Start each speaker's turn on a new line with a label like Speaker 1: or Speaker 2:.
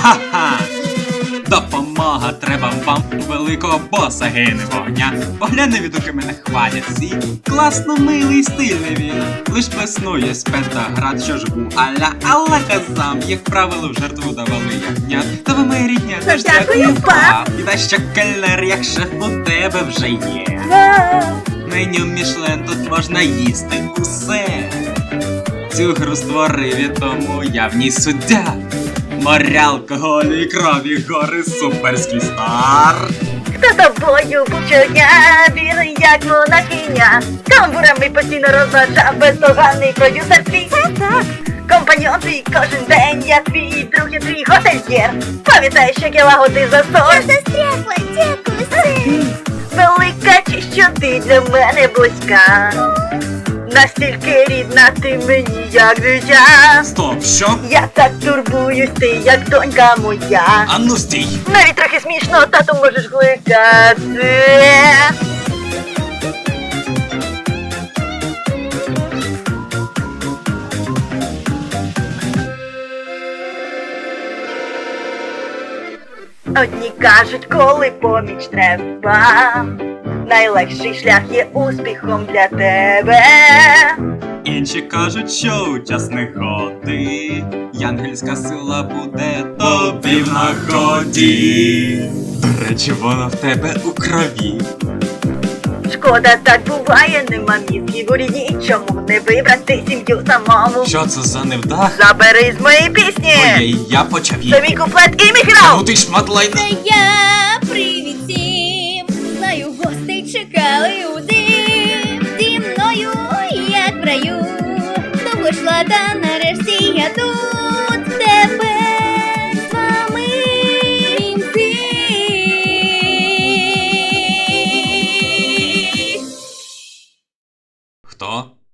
Speaker 1: Ха-ха! Допомога треба вам, великого боса гине вогня. Погляни, відуки мене хвалять всі. Класно, милий, стильний він. Лиш плеснує з пентаград, що ж був аля, але казам, як правило, в жертву давали ягнят. Та ви моя рідня, теж дякую, пап. І та що кельнер, як шеф у тебе вже є. Меню Мішлен, тут можна їсти усе. Цю гру створив і тому я в ній суддя. Моря, алкоголю і крові, гори, суперський стар.
Speaker 2: Хто тобою був щодня, білий як монахиня. Тамбурами постійно розважав бездоганний продюсер твій. Так. Компаньон твій кожен день, я твій друг і твій готельєр. Пам'ятаєш, як я лагодив застой?
Speaker 3: Я застрягла, дякую, син.
Speaker 2: Велика честь, що ти для мене близька. Настільки рідна ти мені, як дитя.
Speaker 1: Стоп, що?
Speaker 2: Я так турбуюсь, ти як донька моя.
Speaker 1: Ану стій!
Speaker 2: Навіть трохи смішно, тату можеш кликати. Одні кажуть, коли поміч треба, найлегший шлях є успіхом для тебе.
Speaker 1: Інші кажуть, що у час негоди янгельська сила буде тобі в нагоді. До речі, вона в тебе у крові.
Speaker 2: Шкода, так буває, нема мізків у рідні. Чому не вибрати сім'ю самому?
Speaker 1: Що це за невдах?
Speaker 2: Забери з моєї пісні!
Speaker 1: Ой, я почав
Speaker 2: Це
Speaker 1: її.
Speaker 2: мій куплет і міграв!
Speaker 1: Ну ти шмат лайна.
Speaker 3: Це я, привіт всім. Знаю, гостей чекали у дим. Зі мною, як в раю. Довго йшла, та нарешті я тут. Тепер з вами кінці.
Speaker 1: Хто?